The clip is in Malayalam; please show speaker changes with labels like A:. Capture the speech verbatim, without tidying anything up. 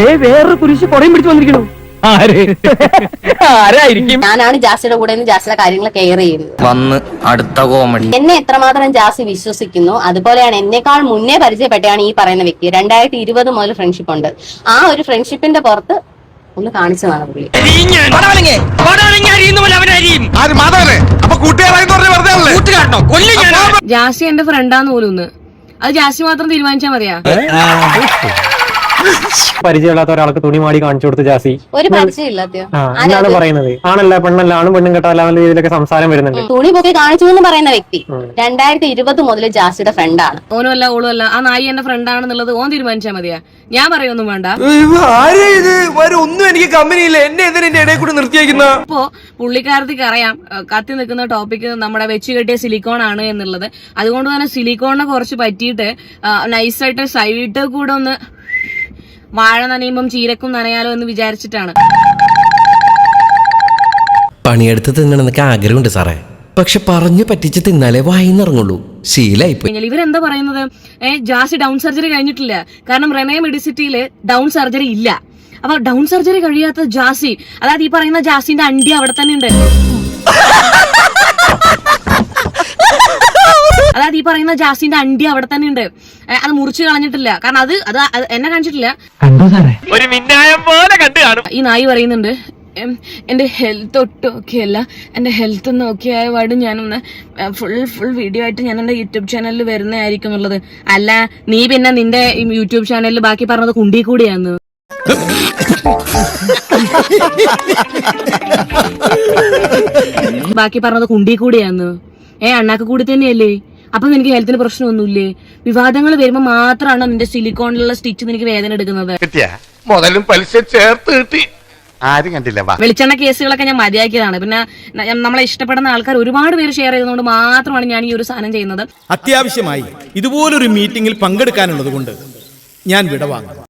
A: വേറൊരു കുരിശ് പുറയും പിടിച്ചു വന്നിരിക്കണു. ആരായിരിക്കും?
B: ഞാനാണ് ജാസിയുടെ കൂടെ നിന്ന് ജാസിയുടെ കാര്യങ്ങൾ കെയർ ചെയ്യുന്നത്.
C: വന്ന് അടുത്ത കോമഡി.
B: എന്നെ എത്രമാത്രം ജാസി വിശ്വസിക്കുന്നു അതുപോലെയാണ് എന്നെക്കാൾ മുന്നേ പരിചയപ്പെട്ടാണ് ഈ പറയുന്ന വ്യക്തി. രണ്ടായിരത്തി ഇരുപത് മുതൽ ഫ്രണ്ട്ഷിപ്പ് ഉണ്ട്. ആ ഒരു ഫ്രണ്ട്ഷിപ്പിന്റെ പുറത്ത് ഒന്ന് കാണിച്ചതാണ് പുള്ളി.
D: ജാസി എന്റെ ഫ്രണ്ടാന്ന് പോലും ഒന്ന് അത് ജാസി മാത്രം തീരുമാനിച്ചാ മതിയാ.
E: പരിചയമില്ലാത്ത ഒരാൾക്ക് തുണി മാടി കാണിച്ചു കൊടുത്ത് ജാസി
B: ഒരു പരിചയമില്ലാത്തയോ
E: എന്നാണ് പറയുന്നത്. ആണല്ല പെണ്ണല്ല, ആണും പെണ്ണും കെട്ടാല രീതിയിലൊക്കെ സംസാരം വരുന്നുണ്ട്.
B: തുണി പൊക്കി കാണിച്ചു എന്ന് പറയുന്ന വ്യക്തി രണ്ടായിരത്തി ഇരുപത് മുതൽ ജാസിയുടെ ഫ്രണ്ടാണ്.
D: ഓനും അല്ല ഓളും അല്ല, ആ നായി എന്റെ ഫ്രണ്ടാണെന്നുള്ളത് ഓൻ തീരുമാനിച്ചാ മതിയാ. ഞാൻ പറയൊന്നും വേണ്ട.
A: ഒന്നും എനിക്ക് കമ്പനിയില്ല, എന്നെ എന്തിനാ ഇടയിൽ കൂടി നിർത്തിയേക്കുന്ന?
D: ഇപ്പോ പുള്ളിക്കാരത്തിക്ക് അറിയാം കത്തി നിൽക്കുന്ന ടോപ്പിക് നമ്മുടെ വെച്ച് കെട്ടിയ സിലിക്കോൺ ആണ് എന്നുള്ളത്. അതുകൊണ്ട് തന്നെ സിലിക്കോണിനെ കുറച്ച് പറ്റിയിട്ട് നൈസായിട്ട് സൈഡ് കൂടെ ഒന്ന് വാഴ നനയുമ്പം ചീരക്കും നനയാലോ എന്ന് വിചാരിച്ചിട്ടാണ്.
F: പണിയെടുത്ത് തിന്നണമെന്നൊക്കെ ആഗ്രഹമുണ്ട് സാറേ, പക്ഷെ പറഞ്ഞു പറ്റിച്ച് തിന്നാലേ വായിന്നിറങ്ങുള്ളൂ. ശീലായിപ്പോയി.
D: ഇവരെന്താ പറയുന്നത്? ഏഹ് ജാസി ഡൗൺ സർജറി കഴിഞ്ഞിട്ടില്ല. കാരണം റെനേ മെഡിസിറ്റിയില് ഡൗൺ സർജറി ഇല്ല. അപ്പൊ ഡൗൺ സർജറി കഴിയാത്ത ജാസി, അതായത് ഈ പറയുന്ന ജാസിന്റെ അണ്ടി അവിടെ തന്നെ ഉണ്ട്. അതായത് ഈ പറയുന്ന ജാസിന്റെ അണ്ടി അവിടെ തന്നെ ഉണ്ട്. അത് മുറിച്ച് കളഞ്ഞിട്ടില്ല. കാരണം അത് അത് എന്നെ കാണിച്ചിട്ടില്ല.
A: ഒരു മിന്നായം പോലെ കണ്ടു കാണും.
D: ഈ നായി പറയുന്നുണ്ട് എന്റെ ഹെൽത്ത് ഒട്ടും ഓക്കെ അല്ല, എന്റെ ഹെൽത്ത് ഒന്ന് ഓക്കെ ആയ പാട് ഞാനൊന്ന് ഫുൾ ഫുൾ വീഡിയോ ആയിട്ട് ഞാൻ എന്റെ യൂട്യൂബ് ചാനലിൽ വരുന്നതായിരിക്കും എന്നുള്ളത്. അല്ല നീ പിന്നെ നിന്റെ യൂട്യൂബ് ചാനലിൽ ബാക്കി പറഞ്ഞത് കുണ്ടി കൂടിയാന്ന്. ബാക്കി പറഞ്ഞത് കുണ്ടി കൂടിയാന്ന്. ഏ അണ്ണാക്ക് കൂടി തന്നെയല്ലേ? അപ്പൊ നിനക്ക് ഹെൽത്തിന് പ്രശ്നമൊന്നുമില്ലേ? വിവാദങ്ങൾ വരുമ്പോ മാത്രമാണ് നിന്റെ സിലിക്കോണിലുള്ള സ്റ്റിച്ച് നിനക്ക് വേദന എടുക്കുന്നത്.
G: മുതലും പലിശ ചേർത്ത് കിട്ടി. ആരും കണ്ടില്ല.
D: വെളിച്ചെണ്ണ കേസുകളൊക്കെ ഞാൻ മതിയാക്കിയതാണ്. പിന്നെ നമ്മളെ ഇഷ്ടപ്പെടുന്ന ആൾക്കാർ ഒരുപാട് പേര് ഷെയർ ചെയ്തതുകൊണ്ട് മാത്രമാണ് ഞാൻ ഈ ഒരു സാധനം ചെയ്യുന്നത്.
H: അത്യാവശ്യമായി ഇതുപോലൊരു മീറ്റിംഗിൽ പങ്കെടുക്കാനുള്ളത് കൊണ്ട് ഞാൻ വിടവാങ്ങും.